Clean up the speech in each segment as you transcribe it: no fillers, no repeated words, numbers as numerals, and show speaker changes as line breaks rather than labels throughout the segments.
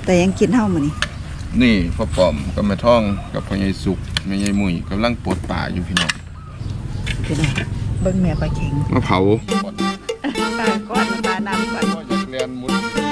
แต่ยังกินเท่ามื้อนี้
นี่พ่อป้อมกับแม่ท่องกับพ่อใหญ่สุกแม่ใหญ่มุ้ยกำลังปลดป่าอยู่พี่น้อง
เบิ่งแม่ปลาเข็ง
มาเผา
ปลาก้อนปลาน้ำก่อน
ก็อยากเรียนมุด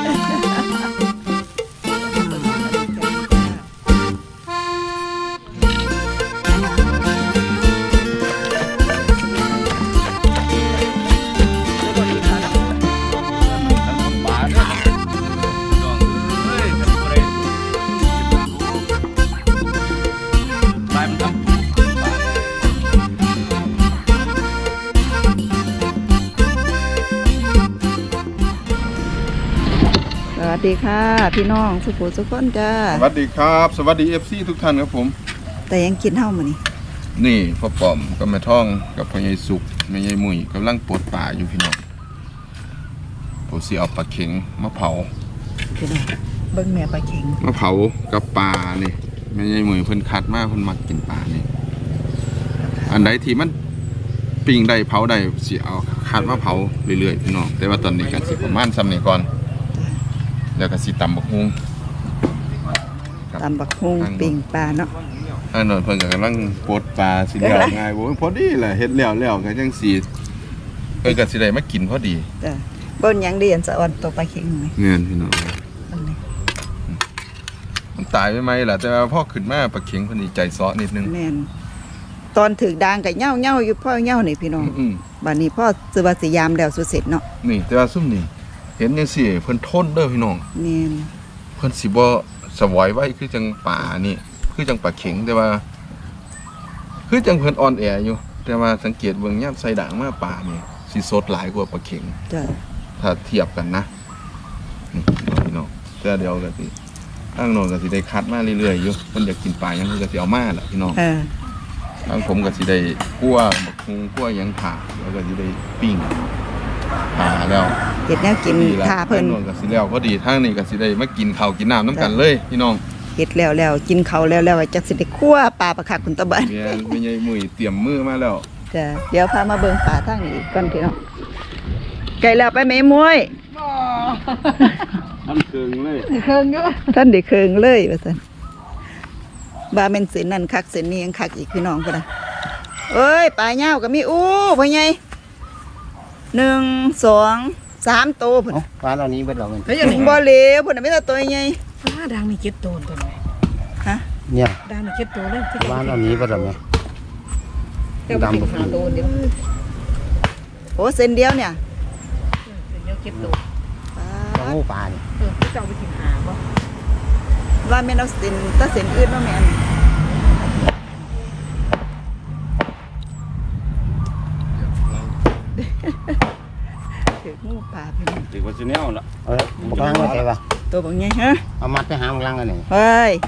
สวัสดีค่ะพี่น้องสุขุสุขคนจ้า
สวัสดีครับสวัสดี FC ทุกท่านครับผม
แต่ยังกินเท่ามื้อนี้
นี่พ่อป้อมกับแม่ท่องกับพ่อใหญ่สุกแม่ใหญ่มุ้ยกำลังปลดป่าอยู่พี่น้องผมสิเอาปลาเข็งมาเผา
พี่น้องเบิ่งแม่ปลาเข็ง
มาเผากับปลานี่แม่ใหญ่มุ้ยเพิ่นคัดมาเพิ่นมักกินปลานี่อันใดที่มันปิ้งได้เผาได้สิเอาคัดมาเผาเรื่อยๆพี่น้องแต่ว่าตอนนี้ก็สิประมาณซ้ำนี้ก่อนแล้วก็สิตำบักฮุ้ง
ปิ้งปลาเนาะ
อันนั้นเพิ่นก็กำลังปลดปลาสิแล้วง่ายบ่พอดีแหละเฮ็ดแล้วก็จังสิเพิ่นก็สิได้มากินพอดี
จ้ะบ่นหยังดีอันสะอ่อนตัวปลาเข็งนี่
แม่นพี่น้องมันตายไปไหมล่ะแต่ว่าพอขึ้นมาปลาเข็งเพิ่นสิใจซ้อนิดนึง
แม่นตอนถึกด่างก็เหี่ยวๆอยู่พ่อเหี่ยวนี่พี่น้องบัดนี้พ่อสิว่าสิยามแล้วสุดเสร็จเนาะ
นี่แต่ว่าซุ่มนี่เห็นจังซี่เพิ่นทนเด้อพี่น้อง
แม่น
เพิ่นสิบ่สวอยไว้คือจังป่านี่คือจังปลาเข็งแต่ว่าคือจังเพิ่นอ่อนแออยู่แต่ว่าสังเกตเบิ่งยามใส่ด่างมาป่านี่สิสดหลายกว่าปลาเข็ง
จ้ะ
ถ้าเทียบกันนะนี่พี่น้องแต่เดี๋ยวก็สิทางโน้นก็สิได้คัดมาเรื่อยๆอยู่เพิ่นอยากกินปลาหยังเพิ่นก็สิเอามาล่ะพี่น้องทางผมก็สิได้คั่วบักฮุงคั่วหยังผ่าแล้วก็สิได้ปิ้งผ่าแล้ว
เฮ็ดแนวกินท่าเพิ่น
ก็สิแล้วพอดีทางนี้ก็สิได้มากินข้าวกินน้ำน้ำกันเลยพี่น้อง
เฮ็ดแล้วกินข้าวแล้วจักสิได้คั่วปลาคักคุณตะบัน
แม่ใหญ่มุ้ยเตรียมมือมาแล้ว
จ้ะเดี๋ยวพามาเบิ่งปลาทางนี้ก่อนพี่น้องไก่แล้วไปแม่มวย
ท่านเคิงเลย
เคิงอยู่ท่านได้เคิงเลยว่าซั่นบาแม่นเส้นนั่นคักเส้นนี้ยังคักอีกพี่น้องพุ่นน่ะเอ้ยปลาเหย้าก็มีพ่อใหญ่1 2 3ตัวพุ่น
ปลาเหล่านี้เบิดแล้ว
มันบ่เหลวพุ่นน่ะมีแต่ตัวใหญ่
ดังมี7ตัวตัวนี้
ฮะ
เนี่ย
ดังมี7ตัวเลย
ปลาเหล่านี้เบิดแล้วแม่
ดำ5ตัวเดียว
โอ้เส้นเดียวเนี่ย
เส้นเดียว7ตัว
ปลาปลานี่
เจ้าไปกินหาบ่
ว่าแม่นเอาเส้นตะเส้นอื่นบ่แม่นถืองูปลาไป
ถือว่าสิแนวล่ะ
บ่กลางมาใส่ป่ะ
ตัวบักใหญ่ฮะ
เอามัดไปหามกลางกันนี่
เฮ้ย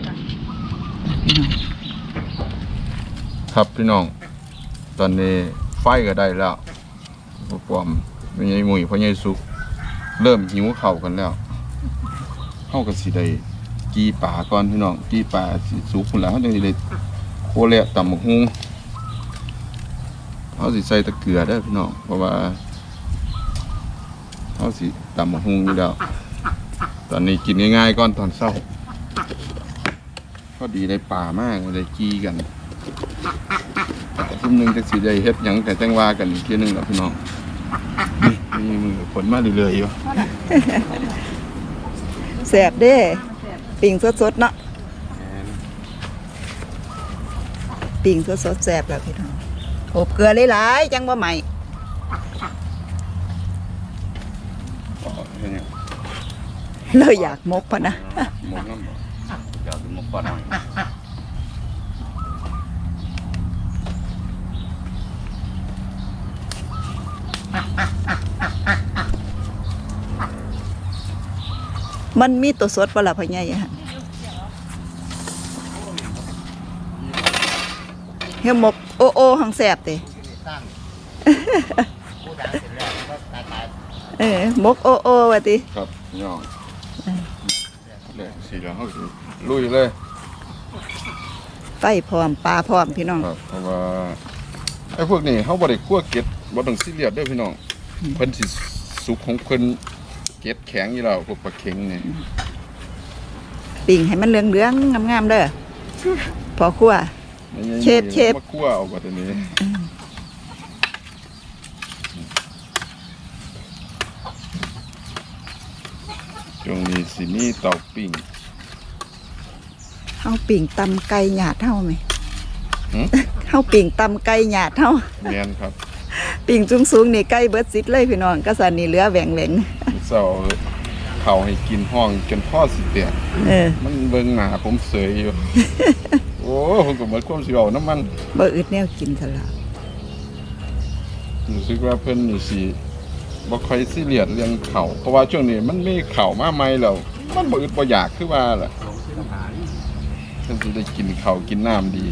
ครับพี่น้องตอนนี้ไฟก็ได้แล้วพ่อป้อมแม่ใหญ่มุ้ยพ่อใหญ่สุกเริ่มหิวข้าวกันแล้วเฮาก็สิได้กีป่าก่อนพี่น้องกีป่าสิสุกพุ่นแล้วเฮาจังสิได้โคเละตำบักฮุงเฮาสิใส่ตะเกียบเด้อพี่น้องเพราะว่าเฮาสิตำบักฮุงอยู่แล้วตอนนี้กินง่ายๆก่อนตอนเช้าพอดีได้ป่ามากได้กีกันทุ่มนึงจังสิได้เฮ็ดหยังแต่จังว่ากันอีกทีนึงแล้วพี่น้องนี่มือผลมาเรื่อยๆอยู่
แซ่บเด้ปิ่งสดๆเนาะปิ่งสดๆแซ่บแล้วพี่น้องอบเกลือหลายๆจังบ่ใหม่เลยอยากมกพอนะ
มกน้ำอยากมกปลาหน่อย
มันมีตัวสดปลาพ่อใหญ่ฮะเฮียมกโอหังแสบเต้มกโอว่าติ
ครับย่องเลยสีเหลืองเขาลุยเลย
ไฟพร้อมปลาพร้อมพี่น้อง
ครับเพราะว่าไอ้พวกนี้เขาบริคั่วเกล็ดบ่ต้องซีเรียสด้วยพี่น้องเพิ่นสิสุกของเพิ่นเกล็ดแข็งอยู่แล้วพวกปลาเค็งนี่
ปิ่งให้มันเหลืองๆงามๆเด้อพอครัว เชฟ
มาคั่วเอากว่าตัวนี้ช่วงนี้สิมีเตาปิ้ง
เฮาปิ่งตำไก่หยาดเฮาไหม
หึ
เฮาปิ่งตำไก่หยาดเฮา
แม่นครับ
ปิ่งสูงๆนี่ไก่เบิดซิดเลยพี่น้องก็สันนี่เหลือแหว่ง
เสาเขาให้กินห้องจนพ่อสิเตีย
เออ
มันเบิ่งหน้าผมเสยอยู่ โอ้ผมก็เหมือนความสิเอาน้ำมัน
บ่อึดแนวกินซะละ
รู้สึกว่าเพิ่นนี่สิบ่ค่อยซีเรียสเรื่องข้าวเพราะว่าช่วงนี้มันมีข้าวมาใหม่แล้วมันบ่อึดบ่อยากคือว่าล่ะเพิ่นสิได้กินข้าวกินน้ำดี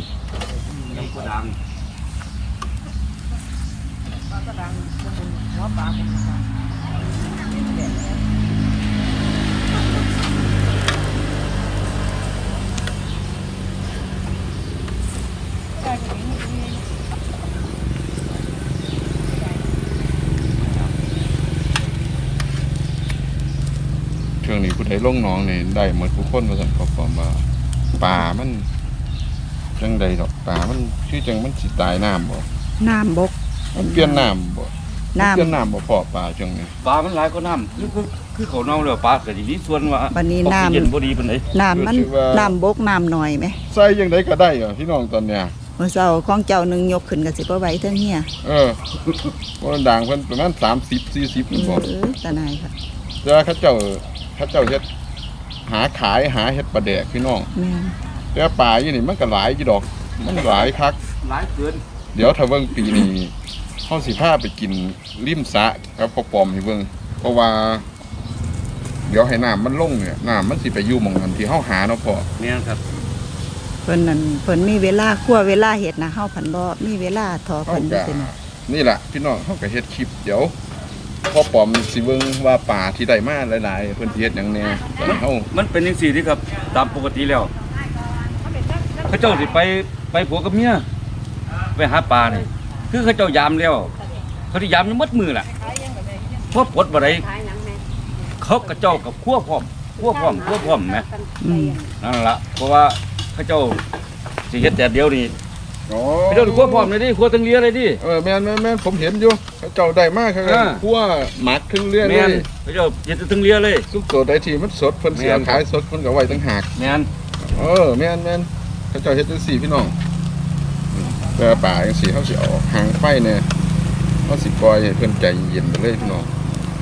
ช่วงนี้ผู้ใดลงหนองนี่ได้หมดทุกคนว่าซั่นเขาบอกว่าปลามันจังใดดอกปลามันคือจังมันสิตายน้ำบ่
น้ำบก
มันเปลี่ยนน้ำบ่
น้ำ
เปลี่ยนน้ำบ่พอปลาช่วงนี้
ปลามันหลายก็น้ำคือเขาเน่าแล้วปลาก็สิมีส่วนว่า
วันนี้
ออกซิเจน
น้ำ
บ่ดีปานใด
น้ำมันน้ำบกน้ำหน่อยไหม
ใส่จังไดก็ได้เหรอพี่น้องตอนเนี้ย
มื้อเช้าของเจ้าหนึงยกขึ้นก็สิบ่ไหวเทิงเฮีย
ว่าด่างเพิ่นประมาณ30-40พุ่นบ่
ตาหนายค่ะ
แต่ว่าเขาเจ้าเฮ็ดหาขายหาเฮ็ดปลาแดกพี่น้อง
แม่น
แต่ว่าปลาอยู่นี่มันก็หลายอยู่ดอก มันหลายคัก
หลายเกิน
เดี๋ยวถ้าเบิ่งปีนี้เฮาสิพาไปกินริมสระกับพ่อปอมให้เบิ่งเพราะว่า เดี๋ยวให้น้ำมันลงเนี่ยน้ำมันสิไปอยู่หม่องนั้นที่เฮาหาเนาะพ่อ
แม่นครับ
เพิ่นนั่นเพิ่นมีเวลาคั่วเวลาเฮ็ดนะเฮาผันบ่มีเวลาทอ
เฮา
เพิ่น
ก็
เป็น
นี่ล่ะพี่น้องเฮาก็เฮ็ดคลิปเดี๋ยวพ่อปอมสิเบิ่งว่าปลาที่ได้มาหลายๆเพิ่นสิเฮ็ดหยังแหน่แล้วเฮา
มันเป็นจังซี่ที่ครับตามปกติแล้วเขาเจ้าสิไปผัวกับเมียไปหาปลานี่คือเขาเจ้ายามแล้วเขาที่ยามอยู่หมดมือล่ะพอปลดบ่ได้เขาก็เจ้ากับคั่วพร้อมแหม
อืม
นั่นล่ะเพราะว่าเขาเจ้าสิเฮ็ดแต่เดียวนี่
อ๋อ
เขาเจ้าคั่วพร้อมเลยดิคั่วทั้งเลียเลยดิ
แม่นผมเห็นอยู่เขาเจ้าได้มากครับ
อ่า
คั่วหมักครึ่งเรื่อยเล
แม่น
ย
เขาเจ้าเฮ็ดทั้งเลียเลย
ทุกตัวได้ที่มันสดเพิ่นเสีย
แม่น
ขายสดเพิ่นก็ไว้ตั้งหาก
แม่น
แม่นเขาเจ้าเฮ็ดจังซี่พี่น้องแต่ป่าจังซี่เฮาสิเอาหางไฟเนี่ยเฮาสิปล่อยให้เพิ่นใจเย็นไปเลยพี่น้อง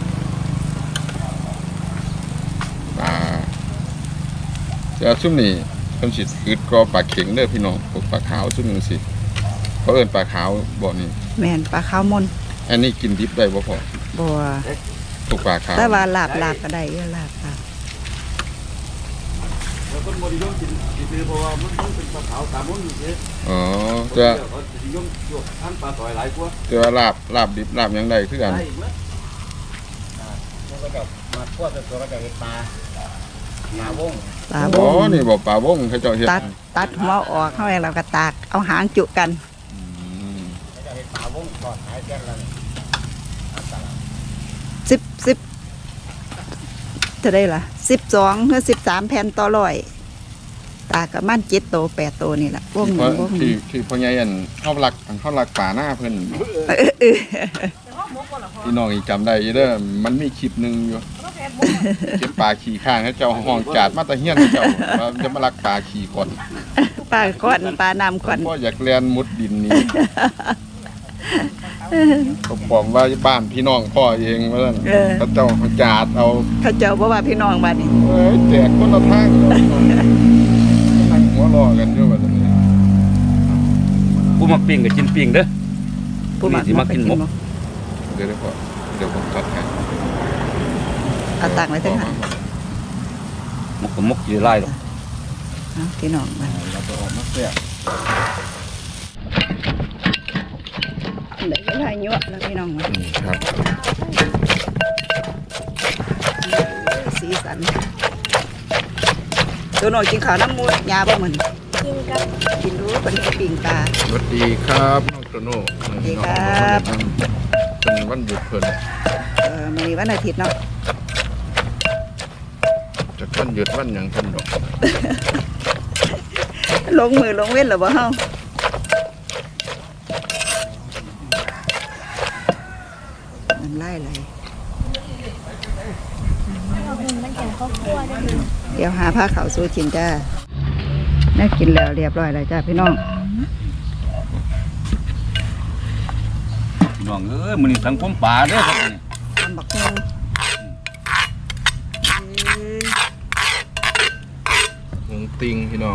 ป่าแต่ซุ่มนี้เพิ่นสิอึดกว่าปลาเข็งเด้อพี่น้องพวกปลาขาวซุ่มนึงสิเขาเอิ้นปลาขาวบ่นี่
แม่นปลาขาวมน
อันนี้กินดิบได้บ่พอ
บ่
พวกปลาขาว
แต่ว่าลาบก็ได้เด้อลาบ
แล้วคนบ่นิยมกินคือเพราะว่ามันต้องเป็นปลาขาวตามมันอยู่เด้
อ๋อจะ
เขานิยมพวกทานปลาต่อยหลายกว่า
จะว่าลาบดิบลาบหยังได้คือกัน
ได้หมด
แล้วก็มาคั่วตัวก็จะเห็ดปลาหาวง
ปลาบ
อ๋อง นี่บอกปลาวงเขาเจ้าเฮ็ด
ตัดหัวออกเข้าไปแล้วก็ตากเอาหางจุกัน
อืม
ก็จะเห็ดปลาวงทอดขายแค่ละ
10จะได้ล่ะ12หรือ13แผ่นต่อร้อยตากประมาณ7โต8โตนี่ล่ะวงหนึงวงหนึง
ที่พ่อใหญ่อันเฮารักป่าหน้าเพิ่นพี่น้องอีกจำได้อยู่เด้อมันมีคลิปหนึงอยู่เก็บปลาขี่ข้างเขาเจ้าห้องจาดมาแตะเฮียนเขาเจ้าว่าจะมารักปลาขี่ก่อน
ปลาก้อนปลาน้ำก้อน
พ่ออยากเรียนมุดดินนี้ก็บอกว่าบ้านพี่น้องพ่อเองว่าซั่นเขาเจ้าจาดเอา
เขาเจ้าบ่ว่าพี่น้องบัดนี้
เอ้ยแจกคนละทางเลยนั่งหัวรอกันอยู่แบบนี้
ผู้มักปิ้งก็กินปิ้งเด้อ
ผู้มัก
สิมากินหมก
เดี๋ยวก่อนเดี๋ยวผมจัดให้
เอาตักไว้ตั้งหา
หมกก็หมกสิหลายดอก
เอาพี่น้องมา
เราจะออกมาแซ่บ
ได้เวลายั่วแล้วพี่น้องมา
ครับ
สีสันตัวน้อยกินข้าวน้ำมูดยาบ่เหมือนกินรู้เป็นปิ่งปลา
สวัสดีครับน้องโตโน่
สวัสดีครับ
เป็นวันหยุดเพิ่น
มีวันอาทิตย์เนาะ
จะวันหยุดวันหยังทันดอก
ลงมือลงเว้นหรือบ่เฮามันไล่ไหลเดี๋ยวหาผ้าขาวสู้กินจ้าน่ากินแล้วเรียบร้อยแล้วจ้าพี่น้อง
พี่น้องเอ้ยมื้อนี้สังคมป่าเด้อครับนี่
ทำบักฮง
หงติงพี่น้อง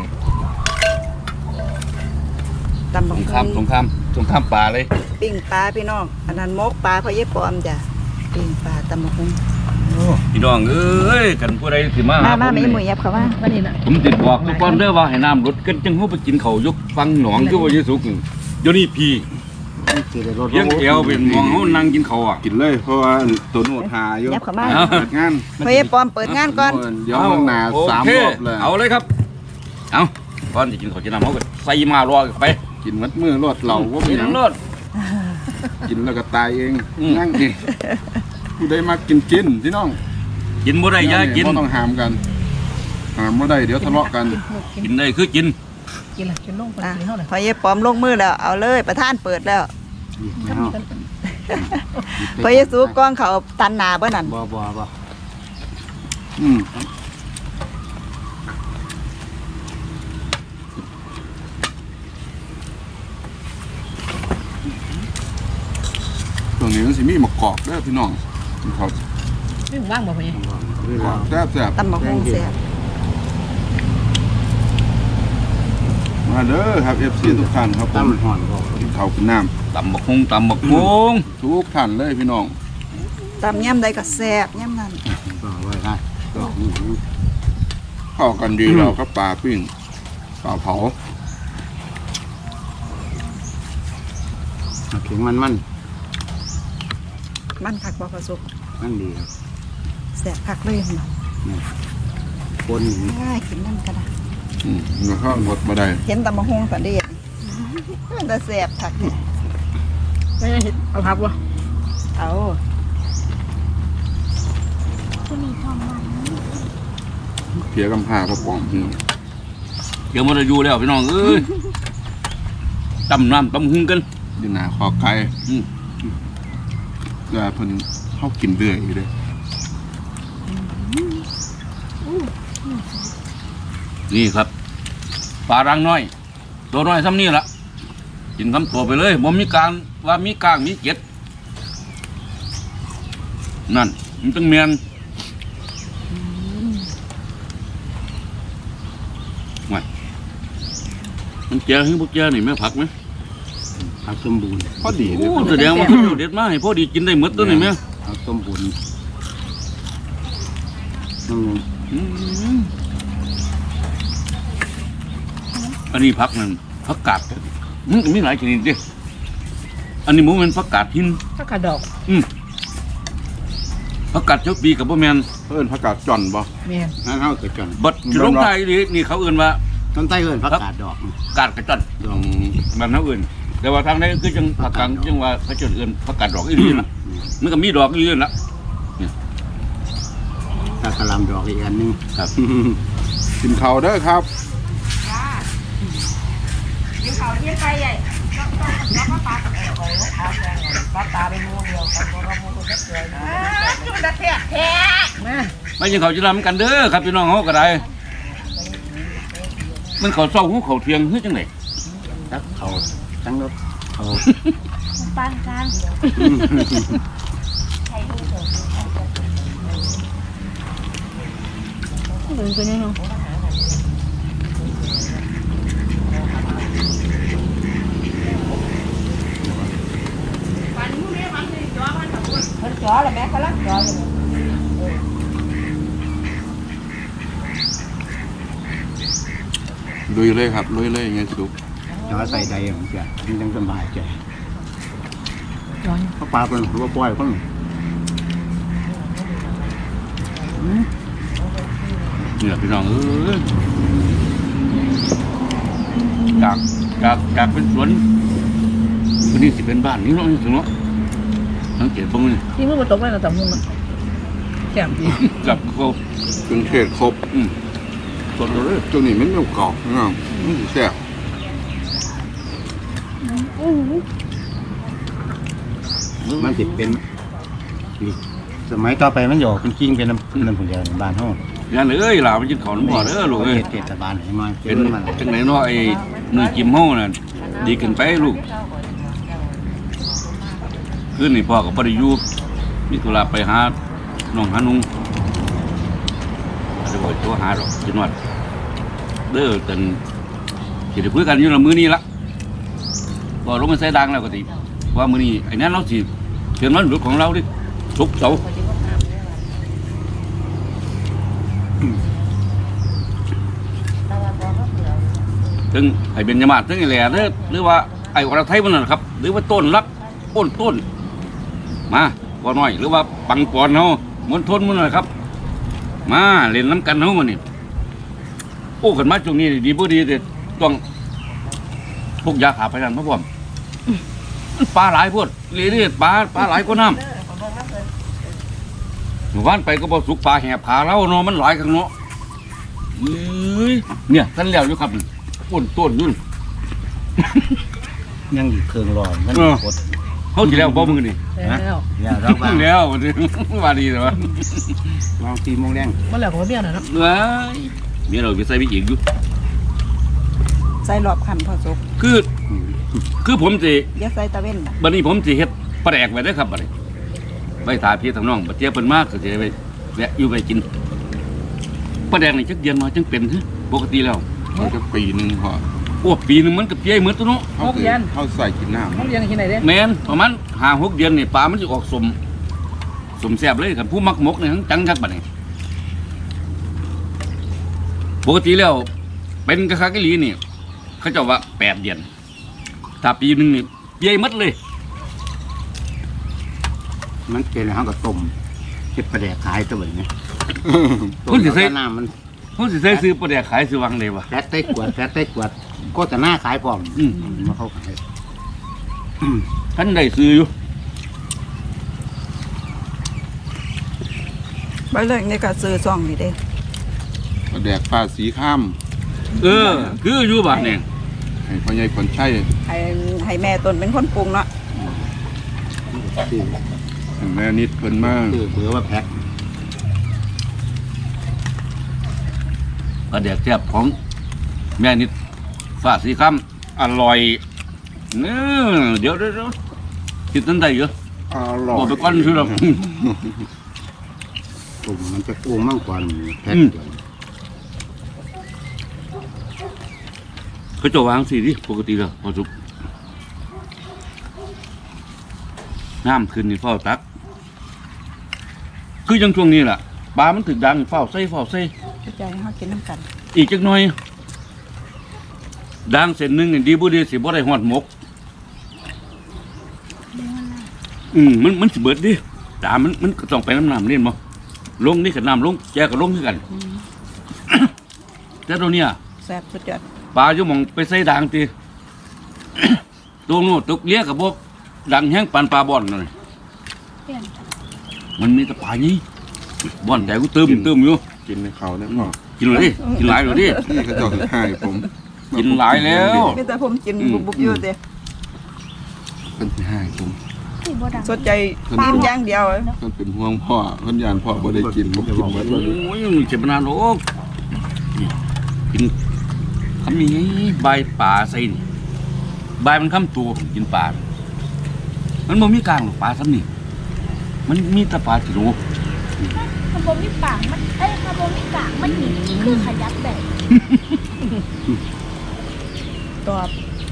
ตำบัก
สง
ฮ
คราม
ง
สงครามป่าเลย
ปิ้งปลาพี่น้องอันนั้นมกปลาพ่อเย็บปอมจ้ะปิ้งปลาตำบักฮง
พี่น้องเอ้ยกันผู้ใดสิมาหา
มา
ผม
ไม่
นี่
หมุยยับเขาว่า
วันนี้น่ะ
ผมติดบอกทุกคนเด้อว่าให้น้ำลดกันจังเฮาไปกินข้าวยกฟังหนองคือว่าสิสุกนี่เดี๋ยวนี้พี่
สิได้รถ
เพียงแอวเป็นมองเฮานั่งกินข้าวอ่ะ
กินเลยเพราะว่าตัวโนดหาอยู่
ยับเขามา
เอา
เปิดงาน
พ่อเย็บปอมเปิดงานก่อน
เดี๋ยวข้างหน้า
โอ
3
เค
รอบเลย
เอาเลยครับเอาก่อนสิกินข้าวกินน้ำเฮาก็ใส่มารอกันไป
กินมัดมือรถเราว่ามี
กิน
หยัง
รส
กินแล้วก็ตายเอง
อืม
นั่งเองผู้ใดมากินพี่น้อง
กินบ่ได้อย่ากิน
บ่ต้องหามกันหามบ่ได้เดี๋ยวทะเลาะกัน
กินได้คือกิน
กินละกินลงไป
อ่ะ
กินเท่าไหร่
พ่อเย็บปอมลงมือแล้วเอาเลยประธานเปิดแล้วพ่อเยซูกล้องเขาตันหนาเบ่นั่น
บ่
อืมตรงนี้มันสิมีมะกอกเด้อพี่น้องครับ
ไม่ว่างบ่พ่อเนี่ย
กอกแซ่บ
ตำบักฮงเสีย
ๆมาเด้อครับ FC ทุกท่านครับผ
ตั้
ม
มห่อนบ่
กินข้าวกินน้
ตำบักฮงตำบักฮง
ำทุกท่านเลยพี่น้อง
ตำย่ำใดก็แซ่บย่ำนั่น
ก็ไว้ได้ก็
เข้ากันดีเราก็ปลาปิ้งปลาเผา
เข็งมัน
มันคักบ่พอสุก
มันดีครับ
แซ่บคักเลยหั่นน่ะ
คน
ง่ายกินนั่นก็ได้
แล้วก็หมดมาได้
เห็นตำบักฮงตอนเด็กมันจะแซ่บคักเนี่ย
ไม่ได้เห็นเอาพับวะ
เอา
เพียกำพร้าพ่อปอมพี่น้อง
เดี๋ยวมันจะอยู่แล้วพี่น้องเอ้ยตำน้ำตำหุงกัน
อยู่หน้าคอไก่
อืม
แต่เพิ่นเข้ากินเรื่อยอยู่เลย
นี่ครับปลารังน้อย ตัวน้อยซ้ำนี่ละกินคำตัวไปเลยบ่มีการว่ามีกลางมีเกล็ดนั่นมันต้องเมียนไม่มันเจียให้พวกเจียนี่แม่ผักไหม
ผักสมบูรณ์
พอดีเลย
โอ้แสดงว่าเขาเด็ดมาให้พอดีกินได้หมดตัวนี่แม่
ผักสมบูรณ์นั่น
อืมอันนี้ผักนั่นผักกาดมันก็มีหลายชนิดเดิอันนี้หมูเป็นผักกาดหิน
ถ้ากระดอก
ผักกาดเจ้าปีกับพ่อแมน
เพิ่นผักกาดจ่อนบ่
แม่น
นั่นเอากระจอน
บัดจะลงใต้นี่เขาเอื่นว่า
ต้นไต้เอิ้นผักกาดดอก
กาดกระจัน
ดอก
แบบนั้นอื่น แต่ว่าทางนี้คือจังผักกาดจังว่าเขาจะเอื่นผักกาดดอกอีหลีนะมันก็มีดอกอีหลีนั่นละ
ถ้ากระลำดอกอีกอันหนึง
ครับ
กินข้าวเด้อครับ
แม่
ไม่ยังเขาจะรำกันเด้อครับพี่น้องเขาก็ได้มันเขาเศร้าหูเขาเทียงเฮ้ยจังไหน
ตักเขาทั้งรถเขา
ปานกลาง
เหมือนกันเนี่ยเนาะ
ลุยเลยครับลุยเลยไงสุก
จอใส่ใดของแกมันจังสบายใจ
ย้อน
เพราะปลาเป็นหัวปล่อยคน
เนี่ยพี่น้องเอ้ยจากเป็นสวนวันนี้สิเป็นบ้านนี่เนาะถึงเนาะสังเกตบ้างนี่
ที่มือมาตกได้กับตำมุงอ่ะ
ค
แซ่บดี
กับเขา
เครื่องเทศครบ
สดเลย
ตัวนี้มันไม่กรอบนะมันสิแซ่บ
มันติดเป็นนี่สมัยต่อไปมันหยอกเป็นกิ้งเป็นน้ำผุนเดียวในบ้านห้อง
งานเอ้ยหลามันกินข้าวน้ำพ่อเด้อลูกเอ้ย
เทศบาลให้มา
เป็น
มัน
จังไหนเนาะไอ้มือจิ้มเฮาน่ะดีขึ้นไปลูกคืนนี้พ่อก็บ่ได้อยู่มีธุระไปหาน้องหานุ่งจะบ่ตัวหาดอกจินวัดเด้อจนสิได้คุยกันอยู่ละมื้อนี้ละบ่ลงมาใส่ดังแล้วก็สิว่ามื้อนี้ไอ้นั้นเราสิเชิญวันหยุดของเราดิศุกร์เสาร์ถึงไอ้เบญจมาศถึงไอ้แหล่เด้อหรือว่าไอ้อรไทยมันนั่นครับ หรือว่าต้นรักต้นมาบ่น้อยหรือว่าปังปอนเฮามณฑลมันนั่นครับ มาเล่นน้ำกันเฮามันนี่โอ้กันมาช่วงนี้ดีบ่ดีแต่ต้องพวกยาขาพยานมาพร้อมมันปลาหลายพวดเรื่อยๆปลาหลายกว่าน้ำหมู่บ้านไปก็บ่สุกปลาแห่ผาเราเนาะมันหลายข้างเนาะเอ้ยเนี่ยท่านแล้วอยู่ครับต้นนู่น
ยังอยู่เครื่องรอมันกด
เขาสิแล้วบ่มึงนี่
แล้ว
อย่าเราบ้าง
แล้วว่าดีแต่ว่า
เรา4 โมงแรง
เมื่อไหร่ผมก็เบี้ยหน่อยเนาะ
เอ้ยมีเราไปใส่ไปอีกอยู่
ใส่รอบคันพอสุก
คือผมสิ
อย่าใส่ตะเว้น
บัดนี้ผมสิเฮ็ดปลาแดกไว้เด้อครับบัดนี้ไว้ถ่ายพี่ทางน้องบัดเจียเพิ่นมากก็สิได้ไปแวะอยู่ไปกินปลาแดกนี่จักเดือนมาจังเป็นคือปกติแล้ว
มันจะปีหนึงพอ
โอ้ปีนึงมันก็เปียเหมือนตัวเนาะ
เขาใส่กินน้ำ
ห้องเรียนที่ไหนเด้
แม่นประมาณ5-6 เดือนนี่ปลามันสิออกสมแซ่บเลยครับผู้มักหมกนี่ทั้งจังคักบัดนี้ปกติแล้วเป็นกะคักอีหลีนี่เขาเจ้าว่า8 เดือนถ้าปีนึงนี่เปียหมดเลย
มันเป็นห้องกับต้มเก็บประแดกขายตัวแบบนี้
คุณสิใส่
น้ำมัน
เขาสิใส่ซื้อปลาแดกขายซื้อวังเลยวะ
แฟตใต้กวดก็แต่หน้าขายพร้อมมาเข้าขาย
ท่านได้ซื้ออยู่
ไปเลยนี่ก็ซื้อซองนี่เด้
แดกปลาสีข้าม
คืออยู่บ้านเนี่ย
ให้พ่อใหญ่คนใช้
ให้แม่ตนเป็นคนปรุงเนาะ
คือ
แม่นิดเพิ่นมาก
คือเบอร์ว่าแพ็ค
ปลาแดกแซ่บของแม่นิดฟ้าสีคำอร่อยเนื้อเดี๋ยวคิดตั้งใจเยอะ
อร่อ
บอก
ย
ไปก่อนคือเรา
ตุ่มมันจะโกงมากกว่าแพ็ค
เขาจะวางสีดิปกติแล้วพอสุกน้ำขึ้นนี่เฝ้าตัก คือยังช่วงนี้แหละปลามันถึกดังเฝ้าใส่
ใจให้เฮากินน้ำกัน
อีกจักหน่อยดังเส้นหนึ่งนี่ดีบุดีสิบ่ได้หอดหมก มันสิเบิดดิตามันก็ต้องไปน้ำเล่นบ่ลงนี่กับน้ำลงแจกับลงคือกัน แต่ตัวเนี้ย
แซ่บสุดยอด
ปลาอยู่หมองไปใส่ด่างตี ตัวโน้ตกเลี้ยกับพวกดังแห้งปานปลาบ่อนเลย
เปลี่ยน
มันมีแต่ปลานี้บ่อนแต่กูเติมอยู่
กินในเขาเนี่ยพ่อ
กินเลยดิกินหลายเลยดิ
นี่เขาเจะให้ผม
กินหลายแล้ว
มีแต่ผมกินบุบๆอยู่เด้
เพิ่นสิให้ผม
ที่บ่ดัง
สนใจกินอย่างเดียว
เพิ่นเป็นห่วงพ่อเพิ่นยานพ่อบ่ได้กินผมกินหมดเลย
โอ้ยเจ็บมานานโอ้นี่กินคำนี้ใบปลาใส่นี่ใบมันค้ำตัวกินปลา มันบ่มีกลางหรอกปลาซ้ำนี่มันมีแต่ปลาจิ๋ว
มันบ่มีปากมันมันบ่มีปากมันหนีคือขยับแบบ
ตอบ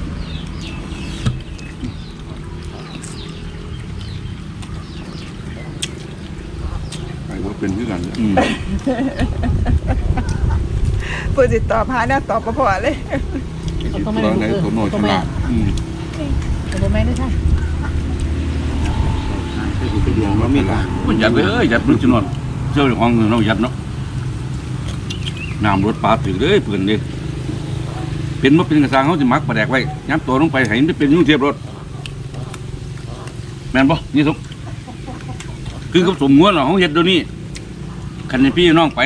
ไปว่าเป็นคือกันเนี่ย
เพื่อสิตอบหาแนวตอบบ่พอเลย
ตอนไหนตัวโนฉลาด
แต่ผมไม่ได้ใช่
คือไปเดียวว่ามีกลาง
มันยัดเลยยัดมันจะนอนเจ้าของเรายัดเนาะน้ำรถปลาถึงเลยเพื่อนเลยเป็นมาเป็นกระซังเขาจะมักปลาแดกไว้ย้ำตัวลงไปให้มันเป็นยุ่งเทียบรถแม่นปะนี่ทุกคือกับสมงวนเหรอเขาเห็ดเดี๋ยวนี้คันให้พี่น้องไป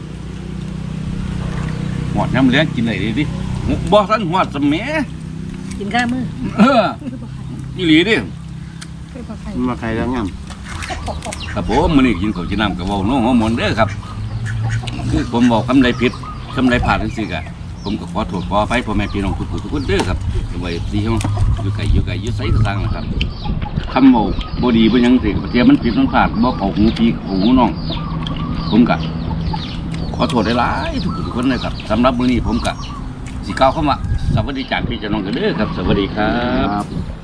หอดน้ำเลี้ยงกินอะไรดีดิบ่ทันหอดสมัย
กินข้าวมือ
อีหลีดิ
มันมาใครแล้วงาม
ครับผมมื้อนี้กินข้าวกินน้ำกับเว้าน้องหัวหมนเด้อครับคือผมบอกคำใดผิดคำใดพลาดจังซี่ก็ผมก็ขอโทษขออภัยพ่อแม่พี่น้องทุกผู้ทุกคนเด้อครับไว้ดีเฮาอยู่ไกลอยู่ไสก็สร้างนะครับคำเว้าบ่ดีบ่หยังสิเทียมันผิดมันพลาดบ่เข้าหูพี่เข้าหูน้องผมก็ขอโทษหลายๆทุกผู้ทุกคนนะครับสำหรับมื้อนี้ผมก็สิกล่าวคำว่าสวัสดีจากพี่เจ้าน้องกันเด้อครับสวัสดีครับ